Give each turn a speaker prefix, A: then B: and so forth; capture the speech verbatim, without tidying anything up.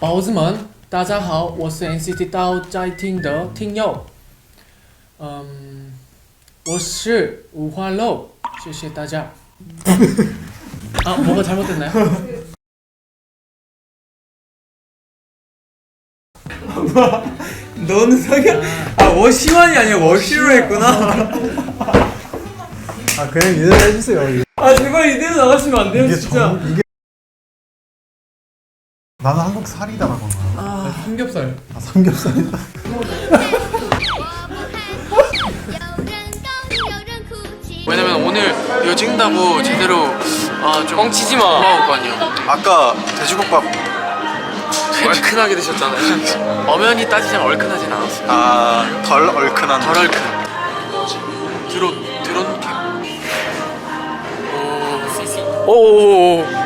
A: 宝子们，大家好，我是 N C T 到在听的听友。嗯，我是五花肉，谢谢大家。 아, 뭐가 잘못됐나요?
B: 너는 성현 아 워시환이 아니야 워시로 했구나.
C: 아 그냥 이대로 해주세요.
B: 아 제발 이대로 나가시면 안 돼요
C: 이게
B: 진짜.
C: 정, 이게 나는 한국 살이다라고 한 거야.
A: 아, 삼겹살.
C: 아 삼겹살이다.
A: 왜냐면 오늘 이거 찍는다고 제대로 아, 좀 뻥치지 마. 고마울 거 아니야.
C: 아까 돼지국밥
A: 얼큰하게 드셨잖아요. 엄연히 따지자면 얼큰하진 않았어요.
C: 아덜 얼큰한
A: 덜 얼큰. 드론 드론 캠. 오. 오오오.